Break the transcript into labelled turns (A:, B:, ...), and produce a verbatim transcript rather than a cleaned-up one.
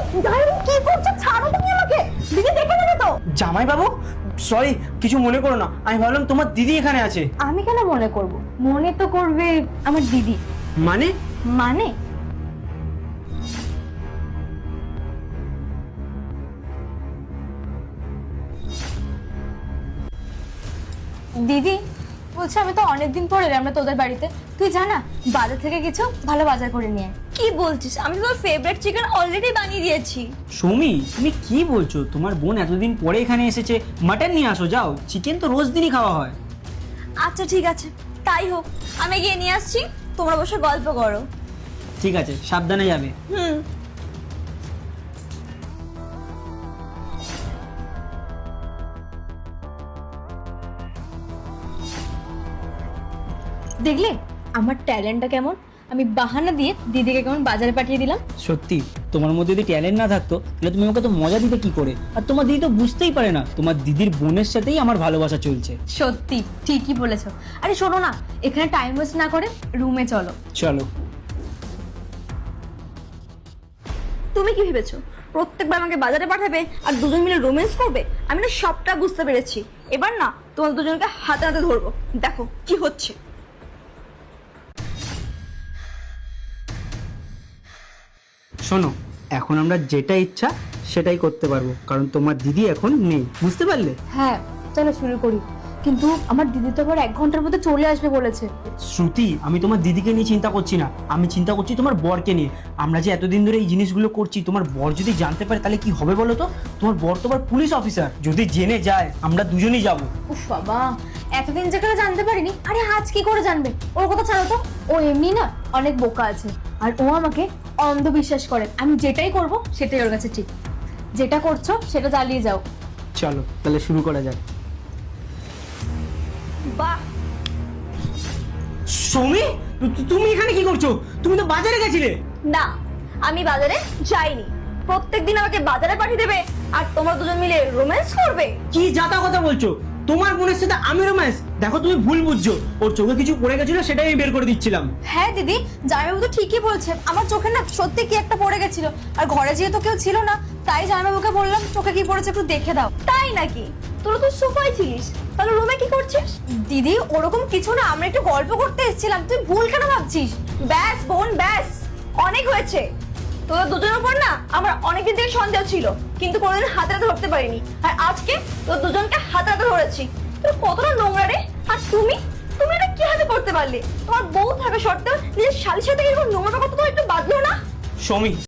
A: জামাইবাবু কি করছো? ছাড়ো তুমি আমাকে, দিদি দেখে নেবে তো।
B: জামাইবাবু সরি, কিছু মনে করো না, আমি ভাবলাম তোমার দিদি এখানে আছে।
A: আমি কেন মনে করব? মনে তো করবে আমার দিদি।
B: মানে?
A: মানে দিদি বলছে আমি তো অনেকদিন পরে এলাম আমরা তোদের বাড়িতে, তুই জানা বাজার থেকে কিছু ভালো বাজার করে নিয়ে আয়।
C: কি বলছিস? আমি তো তোর ফেভারিট চিকেন অলরেডি বানিয়ে দিয়েছি।
B: সৌমি তুমি কি বলছো? তোমার বোন এতদিন পরে এখানে এসেছে, মাটন নিয়ে আসো যাও, চিকেন তো রোজ দিনই খাওয়া হয়।
C: আচ্ছা ঠিক আছে, তাই হোক, আমি গিয়ে নিয়ে আসছি, তোমরা বসে গল্প করো।
B: ঠিক আছে, সাবধানে যাবে।
C: হুম।
A: দেখলে আমার ট্যালেন্টটা কেমন? আমি বাহানা দিয়ে দিদিকে কেমন বাজারে পাঠিয়ে দিলাম।
B: সত্যি তোমার মধ্যে যদি ট্যালেন্ট না থাকতো তাহলে তুমি আমাকে তো মজা দিতে কি করে? আর তোমার দিদি তো বুঝতেই পারে না তোমার দিদির বোনের সাথেই আমার ভালোবাসা চলছে।
A: সত্যি ঠিকই বলেছো। আরে শোনো না, এখানে টাইম ওয়েস্ট না করে রুমে চলো।
B: চলো।
C: তুমি কি ভেবেছো প্রত্যেকবার আমাকে বাজারে পাঠাবে আর দুজন মিলে রোম্যান্স করবে? আমি না সবটা বুঝতে পেরেছি, এবার না তোমার দুজনকে হাতে হাতে ধরবো, দেখো কি হচ্ছে।
B: শোনো, এখন আমরা যেটা ইচ্ছা সেটাই করতে পারবো, কারণ তোমার দিদি এখন নেই, বুঝতে পারলে?
A: হ্যাঁ চলো শুরু করি, কিন্তু আমার দিদি তো আবার এক ঘন্টার মধ্যে চলে আসবে বলেছে।
B: শ্রুতি, আমি তোমার দিদিকে নিয়ে চিন্তা করছি না, আমি চিন্তা করছি তোমার বরকে নিয়ে। আমরা যে এতদিন ধরে এই জিনিসগুলো করছি, তোমার বর যদি জানতে পারে তাহলে কি হবে বলো তো? তোমার বর তো আবার পুলিশ অফিসার, যদি জেনে যায় আমরা দুজনেই যাবো।
A: উফ বাবা, এতদিন যে করে জানতে পারিনি, আরে আজ কি করে জানবে? ওর কথা ছাড়ো তো, ও এমনি না অনেক বোকা আছে, আর ও আমাকে অন্ধবিশ্বাস করে। আমি যেটাই করব সেটাই ওর কাছে ঠিক। যেটা করছো সেটা চালিয়ে যাও।
B: চলো তাহলে শুরু করা যাক।
C: বাহ,
B: সৌমি, তু- তুমি এখানে কি করছো? তুমি তো বাজারে গেছিলে।
C: না আমি বাজারে যাইনি, প্রত্যেকদিন আমাকে বাজারে পাঠিয়ে দেবে আর তোমরা দুজন মিলে রোম্যান্স করবে?
B: কি যাতা কথা বলছো? তোমার বোনের সাথে আমি রোম্যান্স? দেখো তুমি ভুল বুঝছো, ওর চোখে কিছু পড়ে গেছিল সেটাই আমি বের করে দিচ্ছিলাম।
A: হ্যাঁ দিদি, জামাইবাবু তো ঠিকই বলছে, আমার চোখে না সত্যি কি একটা পড়ে গেছিল, আর ঘরে যেহেতু কেউ ছিল না তাই জামাইবাবুকে বললাম চোখে কি পড়েছে একটু দেখে দাও।
C: তাই নাকি? তোরা তো সোফায় ছিলিস, তাহলে রুমে কি করছিস?
A: দিদি ওরকম কিছু না, আমরা একটু গল্প করতে এসেছিলাম, তুই ভুল কেন ভাবছিস?
C: ব্যাস বোন ব্যাস, অনেক হয়েছে। তোদের দুজনের উপর না আমার অনেকদিন থেকে সন্দেহ ছিল, কিন্তু কোনোদিন হাতে হাতে ধরতে পারিনি, আর আজকে তোর দুজনকে হাতে হাতে ধরেছি। তোর কতটা নোংরা রে! আর তুমি তুমি এটা কি হাতে করতে পারলে? তোমার বউ থাকা সত্ত্বেও নিজের শালির সাথে এরকম নোংরা কথা তো একটু বাদলো না?
B: সৌমি,